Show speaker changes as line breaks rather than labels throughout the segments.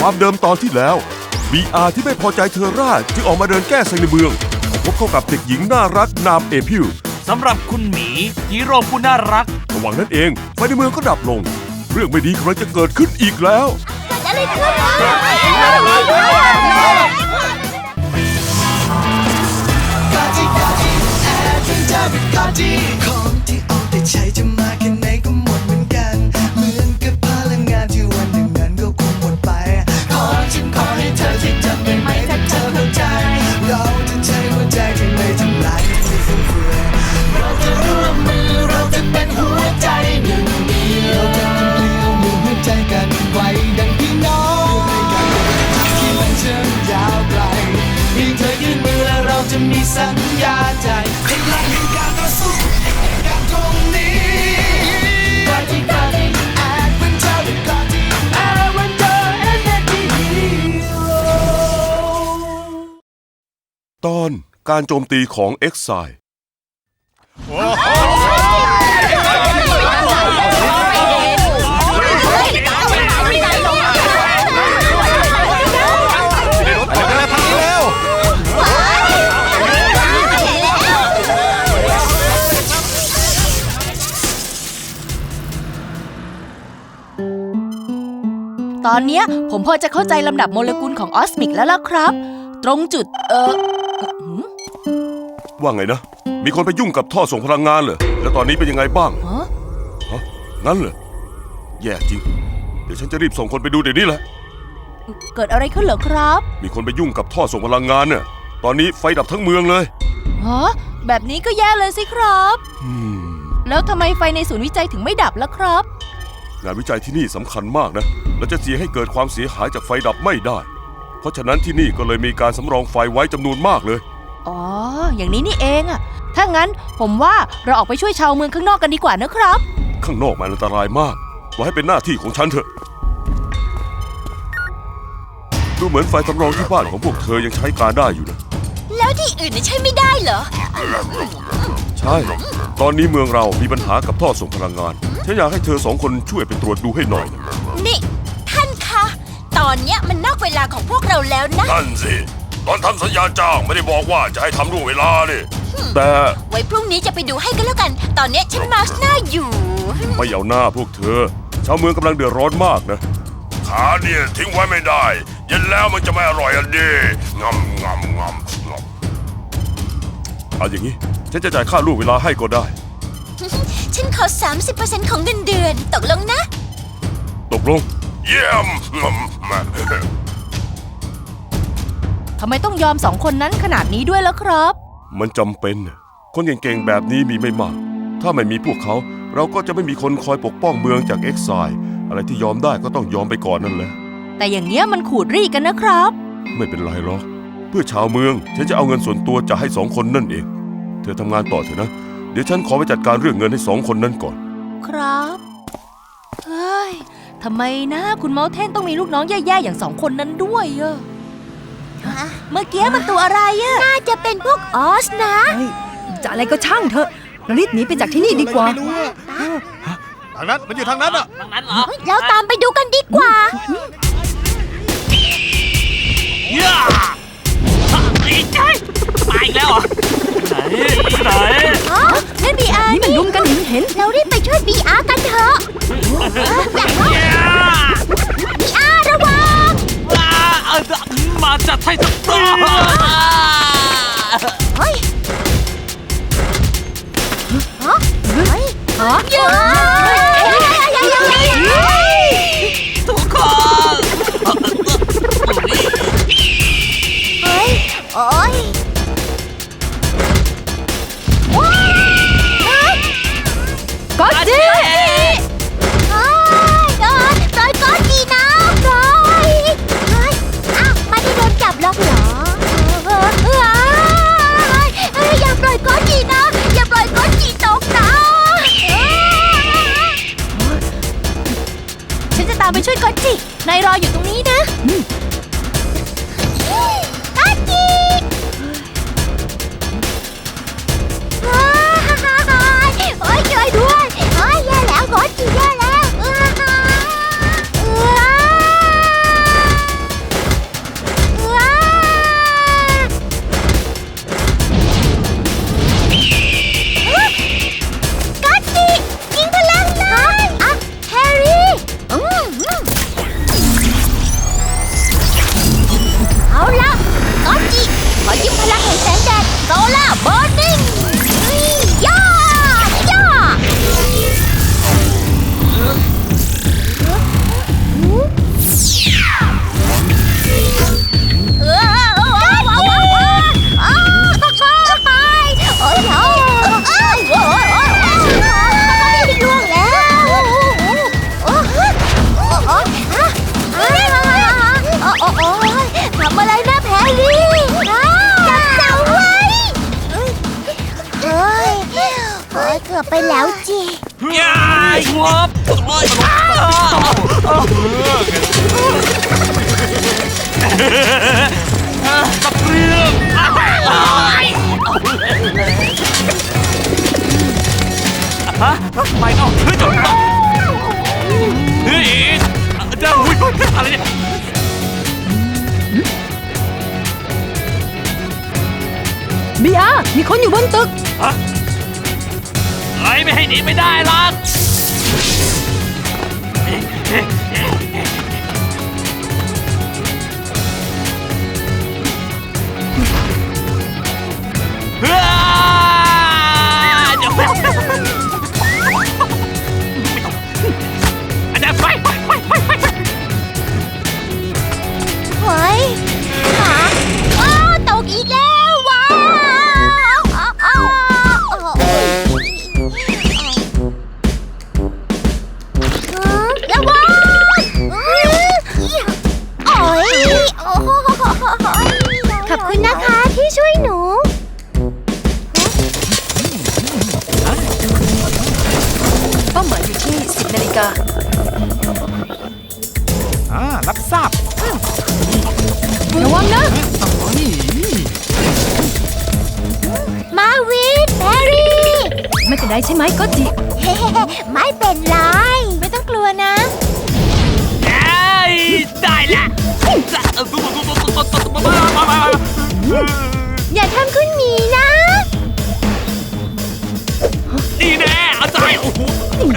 ความเดิมตอนที่แล้ว BR ที่ไม่พอใจเทอร่าจึงออกมาเดินแก้เซ็งในเมืองพบเข้ากับเด็กหญิงน่ารักนามเอพิว
สำหรับคุณหมีฮีโร่ผู้น่ารัก
ระหว่างนั้นเองไฟในเมืองก็ดับลงเรื่องไม่ดีกำลังจะเกิดขึ้นอีกแล้ว
อะไรขึ้นของที่เอาแต่ใช้จะมาแค่ไหนก็หมดเหมือนกันเหมือนกับพลังงานที่วันหนึ่งนั้นก็คงหมดไปฉันขอให้เธอที่จำได้ไหมถ้าเธอเข้าใจเราจะใช้หัวใจที่ไม่ทำลายไม่ฟุ่มเฟือยเราจะร่วมมือเราจะเป็นหัวใจหนึ่งเดียวเราจะทำเลี้ยวมือหัวใจกันไว้ดังพี่น้องที่มันเชื่อมยาวไกลเพียงเธอยื่นมือและเราจะมีสัญญาใจพลังแห่งการต่อสู้การตรงนี้กอที่กอที่แอดเวนเจอร์กอที่แอดเวนเจอร์เอ็นเอ็นดี
ตอนการโจมตีของเอ็กไซด์
ตอนเนี้ยผมพอจะเข้าใจลำดับโมเลกุลของออสมิกแล้วล่ะครับตรงจุด
ว่าไงนะมีคนไปยุ่งกับท่อส่งพลังงานเหรอแล้วตอนนี้เป็นยังไงบ้างฮะงั้นเหรอแย่จริงเดี๋ยวฉันจะรีบส่งคนไปดูเดี๋ยวนี้แหละ
เกิดอะไรขึ้นเหรอครับ
มีคนไปยุ่งกับท่อส่งพลังงานเนี่ยตอนนี้ไฟดับทั้งเมืองเลย
ฮะแบบนี้ก็แย่เลยสิครับแล้วทำไมไฟในศูนย์วิจัยถึงไม่ดับล่ะครับ
งานวิจัยที่นี่สำคัญมากนะและจะเสียให้เกิดความเสียหายจากไฟดับไม่ได้เพราะฉะนั้นที่นี่ก็เลยมีการสำรองไฟไว้จำนวนมากเลย
อ๋ออย่างนี้นี่เองอะถ้างั้นผมว่าเราออกไปช่วยชาวเมืองข้างนอกกันดีกว่านะครับ
ข้างนอกมันอันตรายมากไว้ให้เป็นหน้าที่ของฉันเถอะดูเหมือนไฟสำรองที่บ้านของพวกเธอยังใช้การได้อยู่นะ
แล้วที่อื่นใช้ไม่ได้เหรอ
ใช่ตอนนี้เมืองเรามีปัญหากับท่อส่งพลังงานฉันอยากให้เธอสองคนช่วยไปตรวจดูให้หน่อย
นี่ท่านคะตอนเนี้ยมันนอกเวลาของพวกเราแล้วนะ
นั่นสิตอนทำสัญญาจ้างไม่ได้บอกว่าจะให้ทำล่วงเวลาดิแต่
ไว้พรุ่งนี้จะไปดูให้กันแล้วกันตอนเนี้ยฉันมาร์ชหน้าอยู่
ไม่เอาหน้าพวกเธอชาวเมืองกำลังเดือดร้อนมากนะขาเนี่ยทิ้งไว้ไม่ได้เย็นแล้วมันจะไม่อร่อยอันดีงำเอาอย่างนี้ฉันจะจ่ายค่าล่วงเวลาให้ก็ได้
ฉันขอ 30% ของเงินเดือนตกลงนะ
ตกลงเยี่ยม
ทำไมต้องยอมสองคนนั้นขนาดนี้ด้วยล่ะครับ
มันจำเป็นคนเก่งๆแบบนี้มีไม่มากถ้าไม่มีพวกเขาเราก็จะไม่มีคนคอยปกป้องเมืองจากเอ็กไซด์อะไรที่ยอมได้ก็ต้องยอมไปก่อนนั่นแหละ
แต่อย่างเงี้ยมันขูดรีดกันนะครับ
ไม่เป็นไรหรอกเพื่อชาวเมืองฉันจะเอาเงินส่วนตัวจะให้สองคนนั่นเองเธอทำงานต่อเถอะนะเดี๋ยวฉันขอไปจัดการเรื่องเงินให้สองคนนั้นก่อน
ครับเฮ้ยทำไมนะคุณเมาเทนต้องมีลูกน้องแย่ๆอย่างสองคนนั้นด้วยอะเมื่อกี้มันตัวอะไรอะ
น่าจะเป็นพวกออสนะ
จะอะไรก็ช่างเถอะเรารีบหนีไปจากที่นี่ดีกว่า
ทางนั้นมันอยู่ทางนั้นอ่ะ
ทางนั้นเหรอ
เราตามไปดูกันดีกว่า
ย่าอีกใช่ไปแล้วเหรอไหน
นั่นบีอาร์
นี่มันลุมกันเห็น
เรารีบไปช่วยบีอาร์กันเถอะบีอาร์ระวัง
มาจัดให้สักตัว
เฮ้ย
ทุกคน
เฮ้ยโอ้ย
ก็จี
ปล่อยก็จีนะปล่อยอ้าวไม่ได้โดนจับหรอกเหรออย่าปล่อยก็จีนะอย่าปล่อยก็จีตกนะ
ฉันจะตามไปช่วยก็จีนายรออยู่ตรงนี้นะ
ก็จีโอ้ยช่วยด้วยโอ้ยแย่แล้วก็จีแย่แล้ว
ล่าเบอร์นิ่งย่าย่าทำอะไรนะแพรรี่จับเสาไว้เกือบไปแล้วจี
ยายงบโอ้ยตะเพียงฮะไม่เอาเฮ้ยจบเฮ้ยเจ้าอุ้ยอะไรเนี่ย
บีอาร์มีคนอยู่บนตึก
ฮะไอ้ไม่ให้หนีไม่ได้หรอกเฮ้ยเดี๋ยวอาจารย์ไป
เฮ้ยตกอีกแล้วว้าวระวังขอบคุณนะคะที่ช่วยหนู
เป้าหมายอยู่ที่ 10 นาฬิกา
รับทราบ
ระวังนะ
มาวินแพรรี่
ไม่เป็นไรใช่ไหมก็จิ
ไม่เป็นไร ไม่ต้องกลัวนะ
ได้ละ
อย่าทำคุณหมีนะ
นี่แน่อาจารย์โอ้โหได้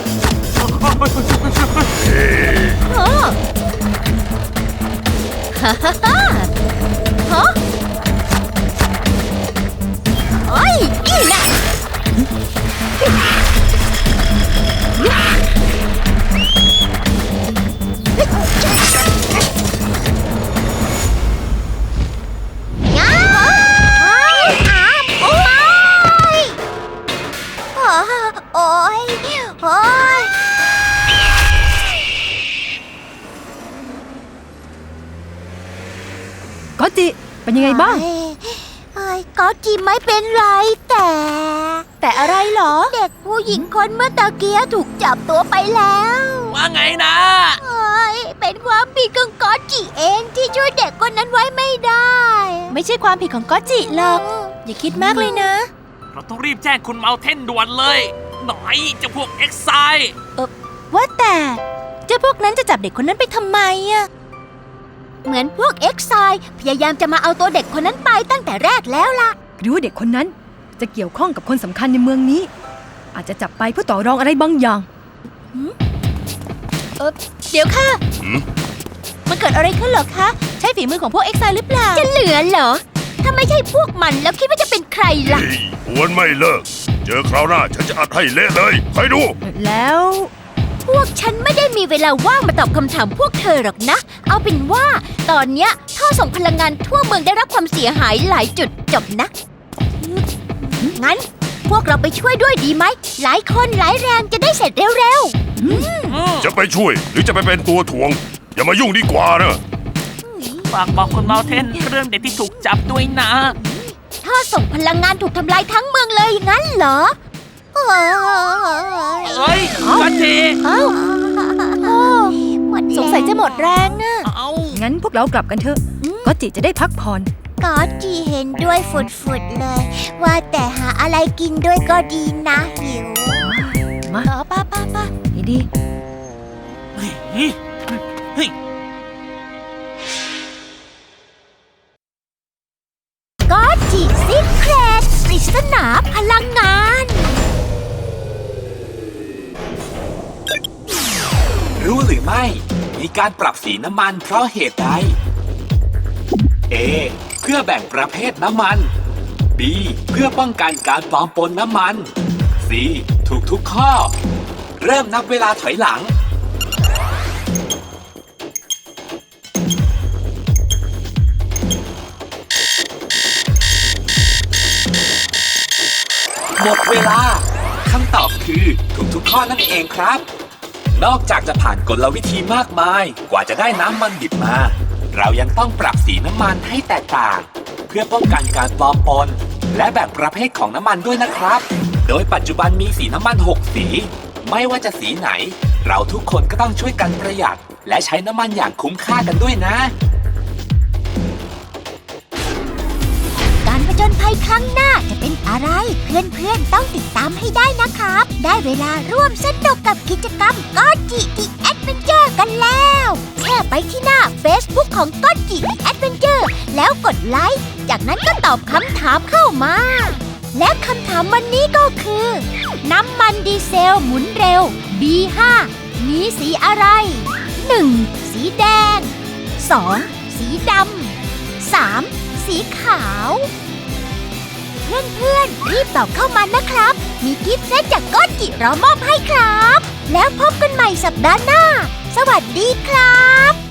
ฮ่าฮ่าฮ่าฮะโอ้ยนี่แหละง้าวโอ้ยโอ้ยโอ้ย
ก็จิเป็นยังไงบ้าง
ก็จีไม่เป็นไรแต่อะไรเหรอ เด็กผู้หญิงคนเมื่อตะเกียถูกจับตัวไปแล้ว
ว่าไงนะ
เป็นความผิดของก็จิเองที่ช่วยเด็กคนนั้นไว้ไม่ได้ ไม่ใช่ความผิดของก็จิหรอก อย่าคิดมากเลยนะ
เราต้องรีบแจ้งคุณเมาเทนด่วนเลย หน่อยเจ้าพวกเอ็กไซ
ว่าแต่เจ้าพวกนั้นจะจับเด็กคนนั้นไปทำไมอะเหมือนพวกเอ็กไซพยายามจะมาเอาตัวเด็กคนนั้นไปตั้งแต่แรกแล้วล่ะ
หรือว่าเด็กคนนั้นจะเกี่ยวข้องกับคนสำคัญในเมืองนี้ อาจจะจับไปเพื่อต่อรองอะไรบางอย่าง
เดี๋ยวค่ะ มันเกิดอะไรขึ้นเหรอคะ ใช่ฝีมือของพวกเอ็กไซหรือเปล่า จะเหลือเหรอ ถ้าไม่ใช่พวกมันแล้วคิดว่าจะเป็นใครล่ะ
หวนไม่เลิก เจอคราวหน้าฉันจะอัดให้เละเลยคอยดู
แล้ว
พวกฉันไม่ได้มีเวลาว่างมาตอบคำถามพวกเธอหรอกนะ เอาเป็นว่าตอนเนี้ยท่อส่งพลังงานทั่วเมืองได้รับความเสียหายหลายจุดจบนะ งั้นพวกเราไปช่วยด้วยดีไหม หลายคนหลายแรงจะได้เสร็จเร็ว
จะไปช่วยหรือจะไปเป็นตัวถ่วง อย่ามายุ่งดีกว่านะ
ฝากบอกคุณเมาเทนเรื่องเด็กที่ถูกจับด้วยนะ
ๆท่อส่งพลังงานถูกทำลายทั้งเมืองเลยงั้นเหรอ
เฮ้ยกันที
สงสัยจะหมดแรงนะ
เอา
งั้นพวกเรากลับกันเถอะ ก็จิจะได้พักผ่อน
ก็จีเห็นด้วยฝุดๆเลย ว่าแต่หาอะไรกินด้วยก็ดีนะหิว
มา
ป้า
ดี
เฮ้ย
ก็จีซิเครตปริศนาพลังงาน
รู้หรือไม่ มีการปรับสีน้ำมันเพราะเหตุใด A เพื่อแบ่งประเภทน้ำมัน B เพื่อป้องกันการปลอมปนน้ำมัน C ถูกทุกข้อ เริ่มนับเวลาถอยหลัง หมดเวลาคำตอบคือถูกทุกข้อนั่นเองครับ นอกจากจะผ่านกลวิธีมากมายกว่าจะได้น้ำมันดิบมา เรายังต้องปรับสีน้ำมันให้แตกต่าง เพื่อป้องกันการปลอมปนและแบ่งประเภทของน้ำมันด้วยนะครับ โดยปัจจุบันมีสีน้ำมัน 6 สี ไม่ว่าจะสีไหน เราทุกคนก็ต้องช่วยกันประหยัด และใช้น้ำมันอย่างคุ้มค่ากันด้วยนะ
การผจญภัยครั้งหน้าจะเป็นอะไร เพื่อนๆต้องติดตามให้ได้นะครับ ได้เวลาร่วมสนุกกับกิจกรรมก็จิดิแอดเวนเจอร์กันแล้วแค่ไปที่หน้า Facebook ของก็จิดิแอดเวนเจอร์แล้วกดไลค์จากนั้นก็ตอบคำถามเข้ามา และคำถามวันนี้ก็คือ น้ำมันดีเซลหมุนเร็ว B5 มีสีอะไร 1. สีแดง 2. สีดำ 3. สีขาว เพื่อนๆรีบตอบเข้ามานะครับ มีกิฟต์เซตจากก็จิรอมอบให้ครับ แล้วพบกันใหม่สัปดาห์หน้า สวัสดีครับ